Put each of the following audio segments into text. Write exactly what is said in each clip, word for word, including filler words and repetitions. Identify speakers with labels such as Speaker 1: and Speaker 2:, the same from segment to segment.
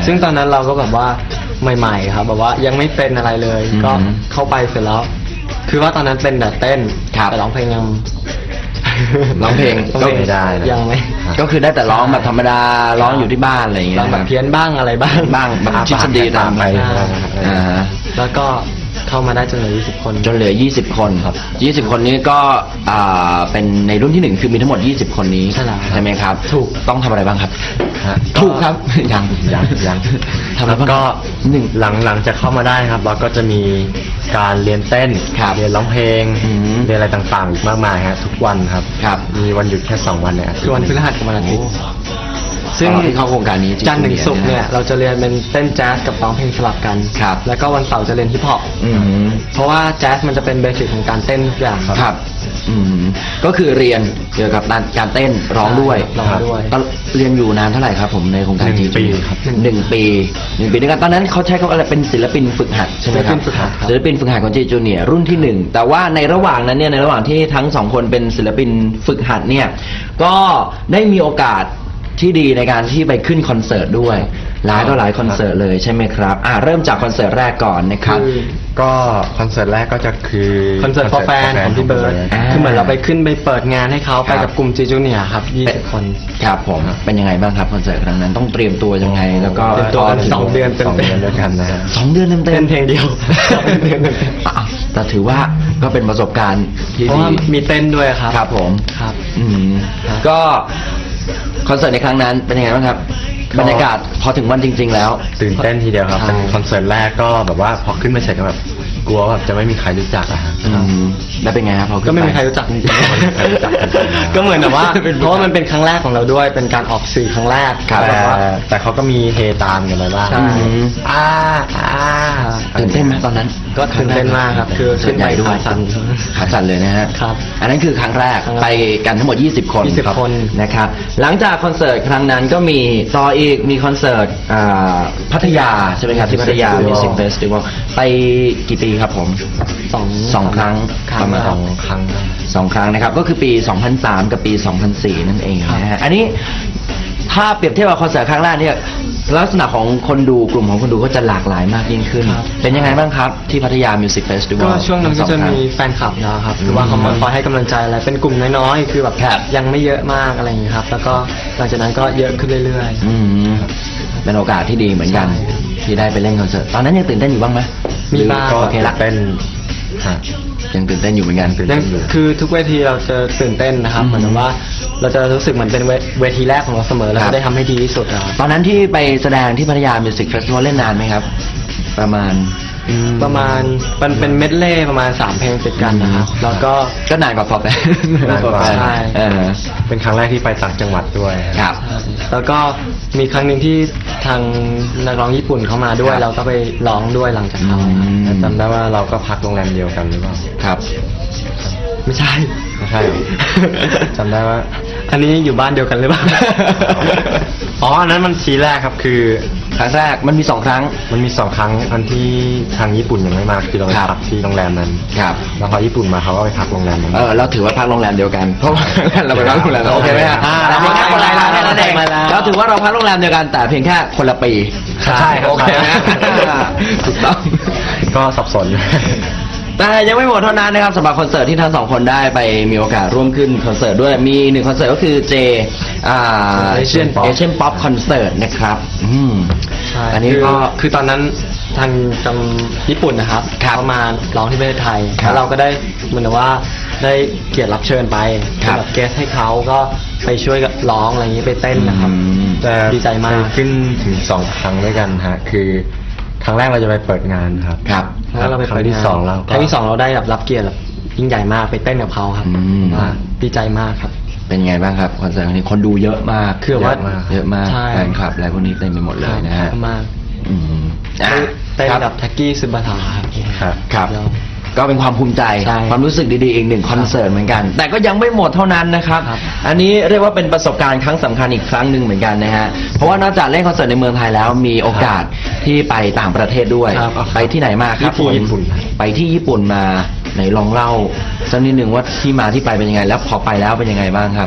Speaker 1: ซึ่งตอนนั้นเราก็แบบว่าใหม่ๆครับแบบว่ายังไม่เป็นอะไรเลยก็เข้าไปเสร็จแล้วคือว่าตอนนั้นเป็นแต่เต้นแต่ร้องเพลงยัง
Speaker 2: ร้องเพลงก็ไม่ได้
Speaker 1: ยังไม่
Speaker 2: ก็คือได้แต่ร้องแบบธรรมดาร้องอยู่ที่บ้านอะไรอย่างเงี้ย
Speaker 1: ร้องแบบเพี้ยนบ้างอะไรบ้าง
Speaker 2: บ้างแบบชิดดีตามไป
Speaker 1: แล้วก็เข้ามาได้จนเหลือยี่สิบคน
Speaker 2: จนเหลือยี่สิบคนครับยี่สิบคนนี้ก็อ่าเป็นในรุ่นที่หนึ่งคือมีทั้งหมดยี่สิบคนนี้ใช่ไหมครับถูกต้องทำอะไรบ้างครับถูกครับยัง
Speaker 3: ยังยังแล้วก็หนึ่งหลังหลังจะเข้ามาได้ครับเราก็จะมีการเรียนเต้นเรียนร้องเพลงเรียนอะไรต่างๆอีกมากมายครับทุกวันครับ
Speaker 2: ครับ
Speaker 3: มีวันหยุดแค่สองวันเนี่ย
Speaker 1: คือวันพฤหัสกับวันอาทิตย์
Speaker 2: ซึ่งที่เข้าโครงการนี้
Speaker 1: จันทร์ถึงศุกร์เนี่ยเราจะเรียนเป็นเต้นแจ๊สกับร้องเพลงสลับกัน
Speaker 2: ครับ
Speaker 1: แล้วก็วันเสาร์จะเรียนฮิปฮอปเพราะว่าแจ๊สมันจะเป็นเบสิกของการเต้นทุกอย่าง
Speaker 2: ครับอืมก็คือเรียนเกี่ยวกับการเต้นร้องด้วย
Speaker 1: ร้องด้วย
Speaker 2: เรียนอยู่นานเท่าไหร่ครับผมในโครงการจี
Speaker 3: ปีครับ
Speaker 2: หนึ่งปีหนึ่งปีด้วยกันตอนนั้นเขาใช้คำว่าอะไรเป็นศิลปินฝึกหัดใช่ไหมครับศิลปินฝึกหัดของจีจูเนียร์รุ่นที่หนึ่งแต่ว่าในระหว่างนั้นเนี่ยในระหว่างที่ทั้งสองคนเป็นศิลปินฝึกหัดเนี่ยก็ได้มีโอกาสที่ดีในการที่ไปขึ้นคอนเสิร์ตด้วยหลายต่อหลายคอนเสิร์ตเลยใช่ไหมครับอ่าเริ่มจากคอนเสิร์ตแรกก่อนนะครับ
Speaker 3: ก็คอนเสิร์ตแรกก็จะคือ
Speaker 1: คอนเสิร์ตฟอร์แฟนของพี่เบิร์ดคือเหมือนเราไปขึ้นไปเปิดงานให้เขาไปกับกลุ่มจีจูเนียร์ครับยี่สิบคน
Speaker 2: ครับผมเป็นยังไงบ้างครับคอนเสิร์ตครั้งนั้นต้องเตรียมตัวยังไงแล้วก็
Speaker 1: เตรียมตัวกันสองเดือนเต็ม
Speaker 3: ๆด้วยกันนะ
Speaker 2: สองเดือนเต็มๆ
Speaker 1: เป็นเพลงเดียว
Speaker 2: แต่ถือว่าก็เป็นประสบการณ์ที่ดี
Speaker 1: มีเต้นด้วยครับ
Speaker 2: ครับผม
Speaker 1: ครับ
Speaker 2: อืมก็คอนเสิร์ตในครั้งนั้นเป็นยังไงบ้างครับบรรยากาศพอถึงวันจริงๆแล้ว
Speaker 3: ตื่นเต้นทีเดียวครับเป็นคอนเสิร์ตแรกก็แบบว่าพอขึ้นมาเสร็จก็แบบกลัวแบบจะไม่มีใครรู้จักอะฮะ
Speaker 2: แล้วเป็นไงครับพอ
Speaker 1: ก็ไม่มีใครรู้จักจริงๆก็เหมือนแบบว่าเพราะว่ามันเป็นครั้งแรกของเราด้วยเป็นการออกสื่อครั้งแรก
Speaker 3: แต่แต่เขาก็มีเฮตามกันไปบ้าง
Speaker 1: อ่าอ่า
Speaker 2: ตื่นเต้นไหมตอนนั้น
Speaker 1: ก็ตื่นเต้นมากครับคือ
Speaker 2: ขึ้นไปด้วยขาสั่นขาสั่นเลยนะฮะ
Speaker 1: ครับ
Speaker 2: อันนั้นคือครั้งแรกไปกันทั้งหมดยี่สิบคน
Speaker 1: ยี่สิบคน
Speaker 2: นะครับหลังจากคอนเสิร์ตครั้งนั้นก็มีต่ออีกมีคอนเสิร์ตพัทยาใช่ไหมครับที่พัทยา Music Festival ไปกี่ปีครับผม
Speaker 1: สอง
Speaker 2: สองครั้ง
Speaker 3: ประมาณสองครั้ง
Speaker 2: สองครั้งนะครับก็คือปีสองพันสามกับปีสองพันสี่นั่นเองนะฮะอันนี้ถ้าเปรียบเทียบกับคอนเสิร์ตครั้งแรกเนี่ยลักษณะของคนดูกลุ่มของคนดูก็จะหลากหลายมากยิ่งขึ้นเป็นยังไงบ้างครับที่พัทยา Music Festival
Speaker 1: ก็ช่วงนั้นก็จะมีแฟนคลับนะครับคือว่าเขามาคอยให้กำลังใจอะไรเป็นกลุ่มน้อยๆคือแบบยังไม่เยอะมากอะไรอย่างนี้ครับแล้วก็หลังจากนั้นก็เยอะขึ้นเรื่อย
Speaker 2: ๆเป็นโอกาสที่ดีเหมือนกันที่ได้ไปเล่นคอนเสิร์ตตอนนั้นยังตื่นเต้นอยู่บ้างไหม
Speaker 1: มีบ้าง
Speaker 2: โอเคละ
Speaker 3: เป็น
Speaker 2: ยังตื่นเต้นอยู่เหมือนกัน
Speaker 1: คือทุกเวทีเราจะตื่นเต้นนะครับเหมือนว่าเราจะรู้สึกเหมือนเป็นเวทีแรกของเราเสมอเราจะได้ทำให้ดีที่สุดครับ
Speaker 2: ตอนนั้นที่ไปแสดงที่พัทยา Music Festival เล่นนานไหมครับประมาณ
Speaker 1: ประมาณมันเป็นเมดเล่ประมาณสามเพลงติดกันนะครับแล้วก็
Speaker 2: ก็นานกว่าพอแต่
Speaker 1: ใช่
Speaker 3: เป็นครั้งแรกที่ไปต่างจังหวัดด้วย
Speaker 2: ครับ
Speaker 1: แล้วก็มีครั้งหนึ่งที่ทางนักร้องญี่ปุ่นเข้ามาด้วยเราก็ไปร้องด้วยหลังจากเขา
Speaker 3: จำได้ว่าเราก็พักโรงแรมเดียวกันหรือเปล่า
Speaker 2: ครับ
Speaker 1: ไม่ใช่
Speaker 3: ไม่ใช่จำได้ว่า
Speaker 1: อันนี้อยู่บ้านเดียวกันหรือเปล่า
Speaker 3: อ๋ออันนั้นมันทีแรกครับคือ
Speaker 2: ครั้งแรกมันมีสองครั้ง
Speaker 3: มันมีสองครั้งอันที่ทางญี่ปุ่นยังไม่มาคือเราไปพักที่โรงแรมนั้น
Speaker 2: ครับ
Speaker 3: แล้วพอญี่ปุ่นมาเขาก็ไปพักโรงแรมนั้น
Speaker 2: เออเราถือว่าพักโรงแรมเดียวกันเพราะว่าเราไปพักโรงแรมโอเคไหมฮะแต่เพียงแค่คนละร้านแค่นั้นเองเราถือว่าเราพักโรงแรมเดียวกันแต่เพียงแค่คนละปี
Speaker 3: ใช่
Speaker 2: โอเคถูกต้อง
Speaker 3: ก็สับสน
Speaker 2: แต่ยังไม่หมดเท่านั้นนะครับสำหรับคอนเสิร์ตที่ทั้งสองคนได้ไปมีโอกาสร่วมขึ้นคอนเสิร์ตด้วยมีหนึ่งคอนเสิร์ตก็คือเจอ่าเอเชียนเอเชียนป๊อปคอนเสิร์ตนะครับอืม
Speaker 1: อันนี้ก็คือตอนนั้นทางจังญี่ปุ่นนะครับเขามาร้องที่ประเทศไทยแล้วเราก็ได้เหมือนว่าได้เกียรติรับเชิญไปแบบเกสให้เขาก็ไปช่วยร้องอะไรอย่างนี้ไปเต้นนะครับ
Speaker 3: แต่
Speaker 1: ดีใจมาก
Speaker 3: ขึ้นถึงสองครั้งด้วยกันฮะคือครั้งแรกเราจะไปเปิดงานครับ
Speaker 2: ครับ
Speaker 1: แล้วเราไปครั้งที่สองเราครั้งที่สองเราได้แบบรับเกียรติแบบยิ่งใหญ่มากไปเต้นกับเขาครับดีใจมากครับ
Speaker 2: เป็นไงบ้างครับคอนเสิร์ตนี้คนดูเยอะมาก
Speaker 1: คือว่า
Speaker 2: เยอะมากแฟนคลับอะไรพวกนี้เต็มไปหมดเลยนะฮะ
Speaker 1: มากเต้นกับแท็กกี้ซึบะถา
Speaker 2: ครับครับก็เป็นความภูมิใจความรู้สึกดีๆอีกหนึ่งคอนเสิร์ตเหมือนกันแต่ก็ยังไม่หมดเท่านั้นนะครับอันนี้เรียกว่าเป็นประสบการณ์ครั้งสำคัญอีกครั้งหนึ่งเหมือนกันนะฮะเพราะว่านอกจากเล่นคอนเสิร์ตในเมืองไทยแล้วมีโอกาสที่ไปต่างประเทศด้วยไปที่ไหนมาครับ
Speaker 3: ญี่ปุ่น
Speaker 2: ไปที่ญี่ปุ่นมาไหนลองเล่าสักนิดหนึ่งว่าที่มาที่ไปเป็นยังไงแล้วพอไปแล้วเป็นยังไงบ้างครับ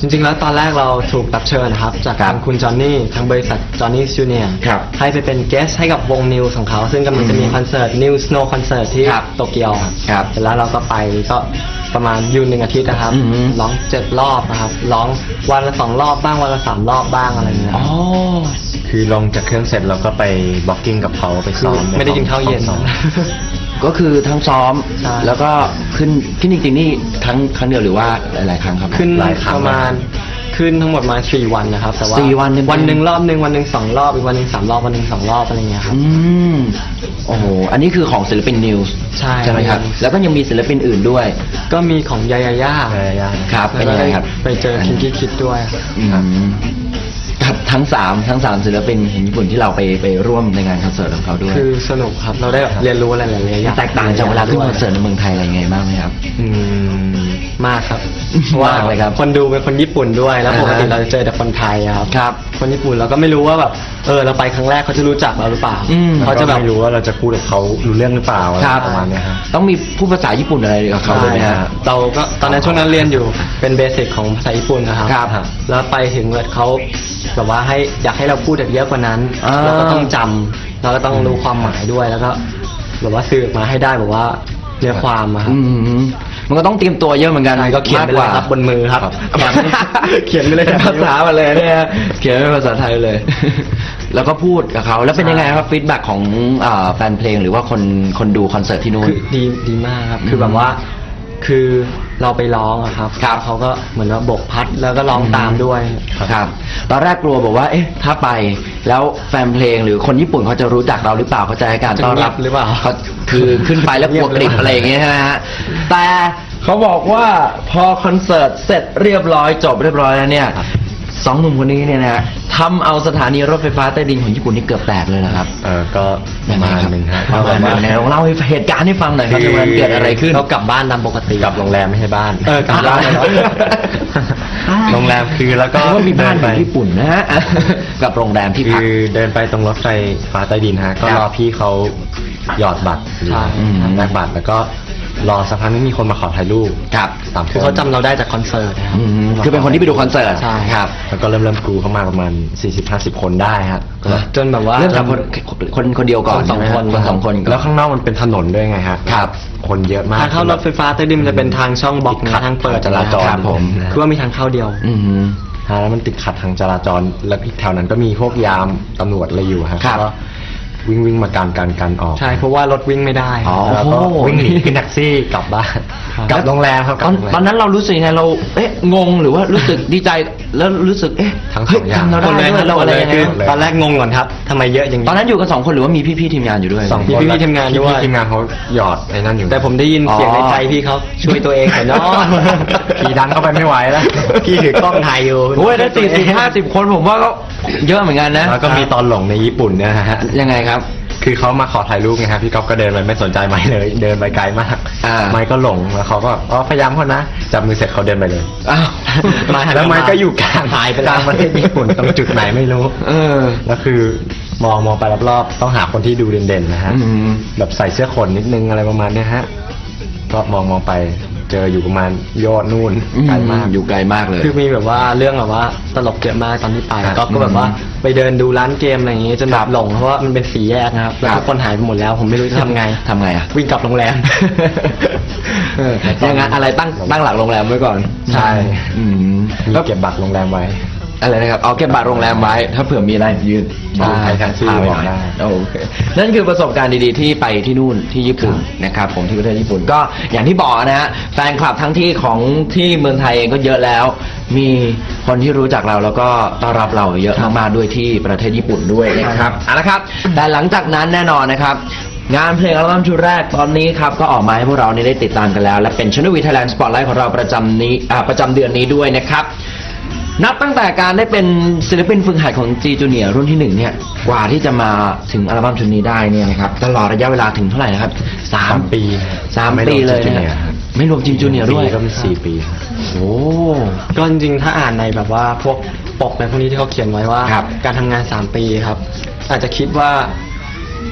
Speaker 1: จริงๆแล้วตอนแรกเราถูกรับเชิญนะครับ จาก
Speaker 2: ครั
Speaker 1: ทา
Speaker 2: บ
Speaker 1: งคุณจอห์นนี่ทางบริษัทจอห์นนี่จูเนียร์
Speaker 2: ครับ
Speaker 1: ให้ไปเป็นเกสให้กับวงนิวของเขา ซึ่งกำลังจะมีคอนเสิร์ตนิวสโนว์คอนเสิร์ตที่
Speaker 2: ครับ
Speaker 1: โตเกียว
Speaker 2: ครับ
Speaker 1: เสร็จแล้วเราก็ไปก็ประมาณอยูหนึ่งอาทิตย์นะครับ
Speaker 2: อือฮึ
Speaker 1: ร้องเจ็ดรอบนะครับร้องวันละสองรอบบ้างวันละสามรอบบ้างอะไรอย่างเงี้ย
Speaker 2: อ๋อ
Speaker 3: คือลงจากเครื่องเสร็จเราก็ไปบล็อกกิ้งกับเขาไป
Speaker 1: คือ
Speaker 3: ซ้อม
Speaker 1: ไม่ได้กินข้าวเย็น
Speaker 3: ซ้อม
Speaker 2: ก็คือทั้งซ้อม
Speaker 1: ใช่
Speaker 2: แล้วก็ขึ้นขึ้นจริงๆนี่ทั้งครั้งเดียวหรือว่าหลายๆครั้งครับ
Speaker 1: ขึ้น
Speaker 3: หลายครั้ง
Speaker 1: ประมาณขึ้นทั้งหมดมาสี่วันนะครับแต่ว่า
Speaker 2: สี่วันเต็มๆ
Speaker 1: วันหนึ่งรอบหนึ่งวันหนึ่งสองรอบอีกวันหนึ่งสามรอบวันหนึ่งสองรอบอะไรเงี้ยครับ
Speaker 2: อืมโอ้โหอันนี้คือของศิลปินนิวส์
Speaker 1: ใช่
Speaker 2: ใช่ไหมครับ แล้วก็ยังมีศิลปินอื่นด้วย
Speaker 1: ก็มีของยายาย่า
Speaker 3: ใช่ยาก
Speaker 2: ครับเป็นยังไงครับ
Speaker 1: ไปเจอคิงกี้คิดด้วย
Speaker 2: อืมกับทั้งสามทั้งสามศิลปินของญี่ปุ่นที่เราไปไปร่วมในงานคอนเสิร์ตของเขาด้วย
Speaker 1: คือสนุกครับเราได้แบบเรียนรู้อะไรหลายๆอย่าง
Speaker 2: แตกต่างจากเวลาขึ้นคอนเสิร์ตในเมืองไทยอะไรยังไงบ้างไหมครับ
Speaker 3: อืม
Speaker 1: มากครับ
Speaker 2: มากเลยครับ
Speaker 1: คนดูเป็นคนญี่ปุ่นด้วยแล้ว
Speaker 2: อ่า
Speaker 1: ปกติเราจะเจอแต่คนไทยอะครับ
Speaker 2: ครับ
Speaker 1: คนญี่ปุ่นเราก็ไม่รู้ว่าแบบเออเราไปครั้งแรกเขาจะรู้จักเราหรือเปล่า
Speaker 2: อืม
Speaker 1: เขาจะแบบ
Speaker 3: ไม่รู้ว่าเราจะพูดกับเขารู้เรื่องหรือเปล่าอะไร
Speaker 2: ครับ
Speaker 3: ประมาณเนี้ยครับ
Speaker 2: ต้องมีพูดภาษาญี่ปุ่นอะไรกับเขาด้วยไหม
Speaker 1: ใช่
Speaker 2: ฮะ
Speaker 1: ครับเราก็ตอนนั้นช่วงนั้นเรียนอยู่เป็นเบสิกของภาษาญี่ปุ่นนะครับ
Speaker 2: ครับ
Speaker 1: แล้วไปถึงแบบเขาแบบว่าให้อยากให้เราพูดเยอะกว่านั้น
Speaker 2: อ่า
Speaker 1: เราก็ต้องจำเราก็ต้องรู้ความหมายด้วยแล้วก็แบบว่าสื่อออกมาให้ได้แบบว่าเนื้อความอะครับ
Speaker 2: อืมมันก็ต้องเตรียมตัวเยอะเหมือนกัน
Speaker 1: ใช่ก็เขียนไปเลยครับบนมือครับ เขียนไปเลย
Speaker 2: ภาษามาเลยเนี่ยเขียนเป็นภาษาไทยเลย แล้วก็พูดกับเขาแล้วเป็นยังไงครับฟีดแบ็กของอ่าแฟนเพลงหรือว่าคนคนดูคอนเสิร์ตที่นู่น
Speaker 1: คือดีดีมากครับ คือ
Speaker 2: อืม
Speaker 1: แบบว่าคือเราไปร้องอะครับ
Speaker 2: ครับ
Speaker 1: เขาก็เหมือนว่าบกพัดแล้วก็ร้องตามด้วย
Speaker 2: ครับ ตอนแรกกลัวบอกว่า เอ๊ะ ถ้าไปแล้วแฟนเพลงหรือคนญี่ปุ่นเขาจะรู้จักเราหรือเปล่าเขาจะให้การต้อนรับ
Speaker 1: จะเงียบหรือเปล่า
Speaker 2: เขาคือขึ้นไปแล้วกลัวกริบอะไรอย่างเงี้ยใช่ไหมฮะแต่เขาบอกว่าพอคอนเสิร์ตเสร็จเรียบร้อยจบเรียบร้อยแล้วเนี่ยสองหนุ่มคนนี้เนี่ยนะทำเอาสถานีรถไฟฟ้าใต้ดินของญี่ปุ่นนี่เกือบแตกเลยนะครับ
Speaker 3: เออก็ประมาณหนึ่งฮะ
Speaker 2: ประมาณหนึงนะลองเล่าให้เหตุการณ์ให้ฟังหน่อยครับ
Speaker 3: คือ
Speaker 2: ในวันนั้นเกิดอะไรขึ้น
Speaker 1: เรากลับบ้านตามปกติ
Speaker 3: กลับโรงแรมไม่ใช่บ้าน
Speaker 1: เออกลับบ้านเลยเหรอ
Speaker 3: โรงแรมคือแล้วก็
Speaker 2: ก็ว่ามีบ้านอ
Speaker 3: เดิ
Speaker 2: ยู่ญี่ปุ่นนะฮะ กับโรงแรมที่พัก
Speaker 3: คือเดินไปตรงรถไฟฟ้าใต้ดินฮะก็
Speaker 2: ครับ
Speaker 3: รอพี่เขาหยอดบัตรหรือ
Speaker 1: ใช่
Speaker 3: แลกบัตรแล้วก็รอสักพักนึงมีคนมาขอถ่ายรูป
Speaker 2: ครับ
Speaker 3: สามค
Speaker 1: คือน เขาจำเราได้จากคอนเสิร์ตนะครับ
Speaker 2: อืมคือเป็นคนที่ไปดูคอนเสิร์ต
Speaker 1: ใช่
Speaker 2: ครับ
Speaker 3: แล้วก็เริ่มเริ่มกรูเข้ามาประมาณ สี่สิบห้าสิบ คนได้ฮะก็แบบ
Speaker 1: จนแบบว่า
Speaker 2: เริ่มจากคนคนคนเดียวก่อน
Speaker 1: คนสอง
Speaker 2: ใช่ไหม
Speaker 1: คน
Speaker 2: คนสองคนก่อน
Speaker 3: แล้วข้างนอกมันเป็นถนนด้วยไงฮะ
Speaker 2: ครับ
Speaker 3: คนเยอะมาก
Speaker 1: ทางเข้ารถไฟฟ้าใต้ดินมันจะเป็นทางช่องบล็อก
Speaker 3: ติดขั
Speaker 1: นะ
Speaker 3: ด
Speaker 1: ทางเปิด
Speaker 3: จราจร
Speaker 2: ครับผม
Speaker 1: คือว่ามีทางเข้าเดียว
Speaker 2: อืม
Speaker 3: ฮะแล้วมันติดขัดทางจราจรแล้วอีกแถวนั้นก็มีพวกยามตำรวจอะไรอยู่ฮะ
Speaker 2: ครับ
Speaker 3: ก็วิ่งวิ่งมาการการกันออก
Speaker 1: ใช่เพราะว่ารถวิ่งไม่ได้
Speaker 2: อ๋อ
Speaker 3: แล้วก็
Speaker 2: โอ้โห
Speaker 3: วิ่งหนีขึ้นแท็กซี่กลับบ้าน
Speaker 1: ครับ
Speaker 3: กลับโรงแรมครับก
Speaker 2: ต
Speaker 3: ลั
Speaker 2: อบ น
Speaker 3: โรงแรม
Speaker 2: ตอนนั้นเรารู้สึกยังไงเราเอ๊ะงงหรือว่ารู้สึกดีใจแล้วรู้สึกเอ๊ะ
Speaker 3: ทั้งสอง
Speaker 2: เฮ้
Speaker 3: อย่าง
Speaker 2: จำเรา
Speaker 1: หม
Speaker 2: ได้
Speaker 1: ดเลย
Speaker 2: ด้วยเราอะไรยังไง
Speaker 1: คือ
Speaker 2: นะ
Speaker 1: ตอนแรกงงก่อนครับทำไมเยอะอย่างนี้
Speaker 2: ตอนนั้นอยู่กันสองคนหรือว่ามีพี่ๆทีมงานอยู่ด้วย
Speaker 3: สอง
Speaker 1: มี
Speaker 3: คน
Speaker 1: พี่ๆทีมงานด้วย
Speaker 3: พี่ๆทีมงานเขาหยอดไอ้นั่นอยู่
Speaker 1: แต่ผมได้ยินเสียงในใจพี่เขาช่วยตัวเองหน่อยเนาะ
Speaker 3: ขี่ดันเข้าไปไม่ไหวแล้ว
Speaker 1: พี่ถือกล้องถ่ายอยู่
Speaker 2: โอ้ยได้สี่สิบห้าสิบคนผมว่าก็เยอะเหมือนกันนะ
Speaker 3: แล้วก็มีตอนหลงในญี่ปุ่นเนี่ยนะฮะ
Speaker 2: ยังไงครับ
Speaker 3: คือเขามาขอถ่ายรูปไงฮะพี่ก๊อฟก็เดินไปไม่สนใจไม้เลย เดินไปไกลมาก
Speaker 2: อ่า
Speaker 3: ไม้ก็หลงแล้วเขาก็อ๋อพยายามเขานะจับมือเสร็จเขาเดินไปเลย
Speaker 2: อ้าว
Speaker 1: ไม้หัน
Speaker 3: แล้วไม้ก็อยู่กลาง
Speaker 1: หายไป
Speaker 3: ก
Speaker 1: แล้ว
Speaker 3: ลางประเทศญี่ปุ่นตรงจุดไหนไม่รู้
Speaker 2: เออ
Speaker 3: แล้วคือมองมองไปรอบๆต้องหาคนที่ดูเด่นๆนะฮะ
Speaker 2: อืม
Speaker 3: แบบใส่เสื้อขนนิดนึงอะไรประมาณเนี้ยฮะก็มองมองไปเจออยู่ประมาณยอดนู่นไกลมาก
Speaker 2: อยู่ไกลมากเลย
Speaker 1: คือมีแบบว่าเรื่องแบบว่าตลกเยอะมากตอนที่ไป
Speaker 3: ครับ
Speaker 1: ก็ก็แบบว่า
Speaker 2: อืม
Speaker 1: ไปเดินดูร้านเกมอะไรอย่างงี้จนแบบหลงเพราะว่ามันเป็นสีแยกนะครับแล้ว
Speaker 2: ครับ
Speaker 1: ทุกคนหายไปหมดแล้ว ผมไม่รู้จะทำไง
Speaker 2: ทำไงอ่ะ
Speaker 1: วิ่งกลับโรงแรม
Speaker 2: เออยังไงอะไรตั้งตั้งหลักโรงแรมไว้ก่อน
Speaker 3: ใช่
Speaker 2: อืม
Speaker 3: มี
Speaker 2: แล้ว
Speaker 3: เก็บบัตรโรงแรมไว้
Speaker 2: อะไรนะครับเอาเก็บบัตรโรงแรมไว้ ถ้าเผื่อมีอะไรยืน
Speaker 3: ใช่
Speaker 2: ใคร
Speaker 3: แท็กซี่
Speaker 2: พาไป
Speaker 3: บอก
Speaker 2: หน่
Speaker 3: ได้
Speaker 2: อยโอเคนั่นคือประสบการณ์ดีๆที่ไปที่นู่นที่ญี่ปุ่นนะครับผมที่ประเทศญี่ปุ่นก็อย่างที่บอกนะฮะแฟนคลับทั้งที่ของที่เมืองไทยเองก็เยอะแล้ว มีคนที่รู้จักเราแล้วก็ต้อนรับเราเยอะมากๆด้วยที่ประเทศญี่ปุ่นด้วยนะครับเอาละครับ แต่หลังจากนั้นแน่นอนนะครับ งานเพลงอัลบั้มชุดแรกตอนนี้ครับก็ออกมาให้พวกเราเนี่ยได้ติดตามกันแล้ว และเป็น Channel V Thailand Spotlight ของเราประจำนี้อ่าประจำเดือนนี้ด้วยนะครับ นับตั้งแต่การได้เป็นศิลปินฝึกหัดของ G Junior รุ่นที่หนึ่งเนี่ยกว่าที่จะมาถึงอัลบั้มชุดนี้ได้เนี่ยนะครับตลอดระยะเวลาถึงเท่าไหร่นะครับสาม
Speaker 3: สามปี
Speaker 2: สาม
Speaker 3: ไม่รวม
Speaker 2: ปีเลย
Speaker 3: G
Speaker 2: นะ
Speaker 3: Junior ครับ
Speaker 2: ไม่รวม G Junior ด้วย
Speaker 3: ก็มีสี่ปีครับ
Speaker 2: โอ้
Speaker 1: ก็จริงๆ ถ้าอ่านในแบบว่าพวกปกในพวกนี้ที่เขาเขียนไว้ว่า
Speaker 2: ครับ
Speaker 1: การทำงานสามปีครับ อาจจะคิดว่า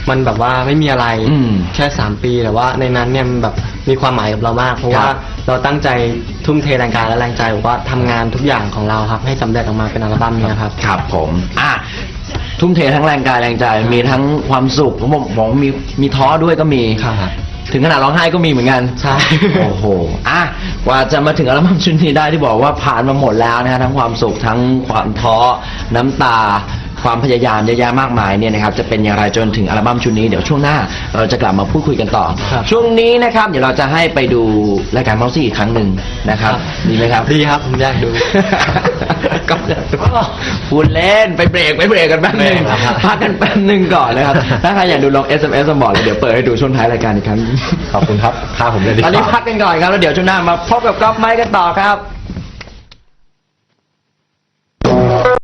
Speaker 1: มันแบบว่าไม่มีอะไร
Speaker 2: อืม
Speaker 1: แค่สามปีแต่ว่าในนั้นเนี่ยมันแบบมีความหมายกับเรามาก เพราะว่า
Speaker 2: ครับ
Speaker 1: เราตั้งใจทุ่มเทแรงกายและแรงใจบอกว่าทำงานทุกอย่างของเราครับให้สำเร็จออกมาเป็นอัลบั้มเนี้ครับ
Speaker 2: ครับผมอ่ะทุ่มเททั้งแรงกายแรงใจมีทั้งความสุขผมบอกมีมีท้อด้วยก็มี
Speaker 1: ครับ
Speaker 2: ถึงขนาดร้องไห้ก็มีเหมือนกัน
Speaker 1: ใช่
Speaker 2: โอ้โหอ่ะกว่าจะมาถึงอัลบั้มชุดนี้ได้ที่บอกว่าผ่านมาหมดแล้วนะฮะทั้งความสุขทั้งความท้อน้ำตา ความพยายามเยอะแยะมากมายเนี่ยนะครับจะเป็นอย่างไรจนถึงอัลบั้มชุดนี้เดี๋ยวช่วงหน้าเราจะกลับมาพูดคุยกันต่อ
Speaker 1: ครับ
Speaker 2: ช่วงนี้นะครับเดี๋ยวเราจะให้ไปดูรายการเมาส์ซี่อีกครั้งหนึ่งนะครับดีไหมครับ
Speaker 1: ดีครับผมอยากดู
Speaker 2: ก็พูดเล่นไปเบรกไปเบรกกันแป๊บหนึง
Speaker 1: เบรกครับ
Speaker 2: พักกันแป๊บหนึงก่อนนะครับ ถ้าใครอยากดูลอง เอส เอ็ม เอส มาบอกเลยเดี๋ยวเปิดให้ดูช่วงท้ายรายการอีกครั้ง
Speaker 3: ขอบคุณครับพาผมเลยดีก
Speaker 2: ตอนนี้
Speaker 3: ว่า
Speaker 2: พักกันก่อนครับแล้วเดี๋ยวช่วงหน้ามาพบกับก๊อฟไมค์กันต่อครับ